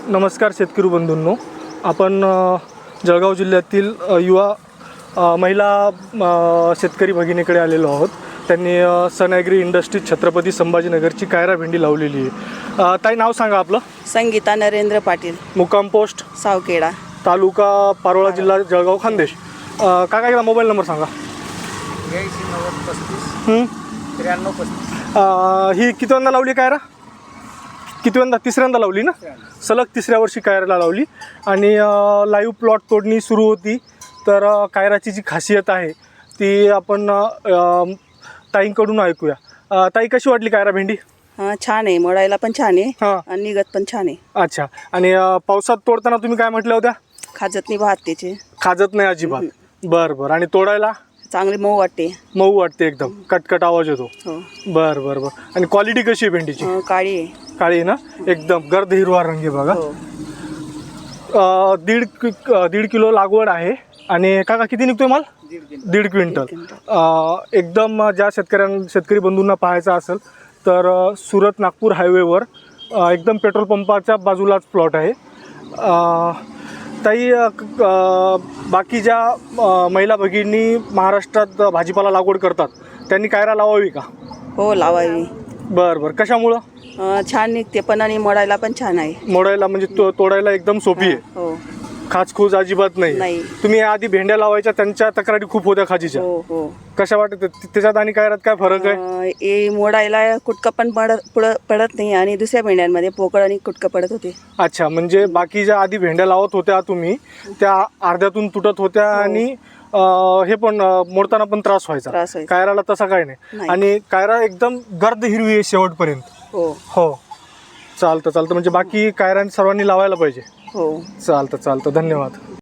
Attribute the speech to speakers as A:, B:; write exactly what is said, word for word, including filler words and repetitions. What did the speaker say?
A: नमस्कार शेतकरी बंधूंनो, आपण अ, जळगाव जिल्ह्यातील अ, युवा अ, महिला अ, शेतकरी भगिनीकडे आलेलो आहोत. त्यांनी अ, सन ॲग्री इंडस्ट्रीज छत्रपती संभाजीनगरची कायरा भेंडी लावलेली आहे. अ, ताई, नाव सांगा आपलं.
B: संगीता नरेंद्र पाटील,
A: मुक्काम पोस्ट
B: सावखेडा,
A: तालुका पारोळा, जिल्हा जळगाव, खानदेश. अ, काका एकदा मोबाईल नंबर सांगा.
C: ब्याऐंशी नव्वद पस्तीस
A: हं?
C: त्र्याण्णव पस्तीस.
A: अ, ही कितव्यांदा लावली कायरा? कितव्यांदा? तिसऱ्यांदा लावली ना? सलग तिसऱ्या वर्षी कायराला लावली. आणि लाईव्ह प्लॉट तोडणी सुरू होती. तर अ, कायराची जी खासियत आहे ती आपण अ, ताईंकडून ऐकूया. अ, ताई, कशी वाटली कायरा भेंडी?
B: हां छान आहे, मोडायला पण छान आहे
A: हां.
B: आणि निघत पण छान आहे.
A: अच्छा. आणि अ, पावसात तोडताना तुम्ही काय म्हटल्या होत्या?
B: खाजत नाही भात त्याचे,
A: खाजत नाही अजिबात. बरं बरं. आणि तोडायला
B: चांगली मऊ वाटते.
A: मऊ वाटते, एकदम कटकट आवाज येतो.
B: हो.
A: बरं बरं बरं. आणि क्वालिटी कशी आहे भेंडीची?
B: अं, काळी आहे.
A: काळी आहे ना? एकदम गर्द हिरवा रंग आहे बघा.
B: हो.
A: अ, दीड कि- अ, दीड किलो लागवड आहे. आणि काका, किती निघतोय माल? दीड क्विंटल. अ, एकदम ज्या शेतकऱ्यां शेतकरी बंधूंना पाहायचा असेल तर अ, सुरत नागपूर हायवेवर अ, एकदम पेट्रोल पंपाच्या बाजूलाच प्लॉट आहे. अ, ताई, अ, क- अ, बाकी ज्या अ, महिला भगिनी महाराष्ट्रात भाजीपाला लागवड करतात त्यांनी कायरा लावावी का?
B: हो, लावावी.
A: बरं बरं. कशामुळं?
B: अं, छान निघते पण आणि मोडायला पण छान आहे.
A: मोडायला म्हणजे तो तोडायला एकदम सोपी आहे.
B: हो
A: खाचखूज अजिबात नाही.
B: नाही.
A: तुम्ही आधी भेंड्या लावायच्या, त्यांच्या तक्रारी खूप होत्या खाजीच्या.
B: हो हो.
A: कशा वाटत त्याच्यात आणि कायरात काय फरक आहे?
B: अं, हे मोडायला कुटकं पण पडत पुढं पडत नाही आणि दुसऱ्या भेंड्यांमध्ये पोकळ आणि कुटकं पडत होते.
A: अच्छा, म्हणजे बाकी ज्या आधी भेंड्या लावत होत्या तुम्ही त्या अर्ध्यातून तुटत होत्या.
B: हो.
A: आणि अं, हे पण अं, मोडताना पण त्रास व्हायचा.
B: त्रास व्हायचा.
A: कायराला तसा काय नाही.
B: नाही.
A: आणि कायरा एकदम गर्द हिरवी आहे शेवटपर्यंत.
B: हो
A: हो. चालतं चालतं. म्हणजे बाकी कायरा सर्वांनी लावायला पाहिजे.
B: हो.
A: चालतं चालतं. धन्यवाद.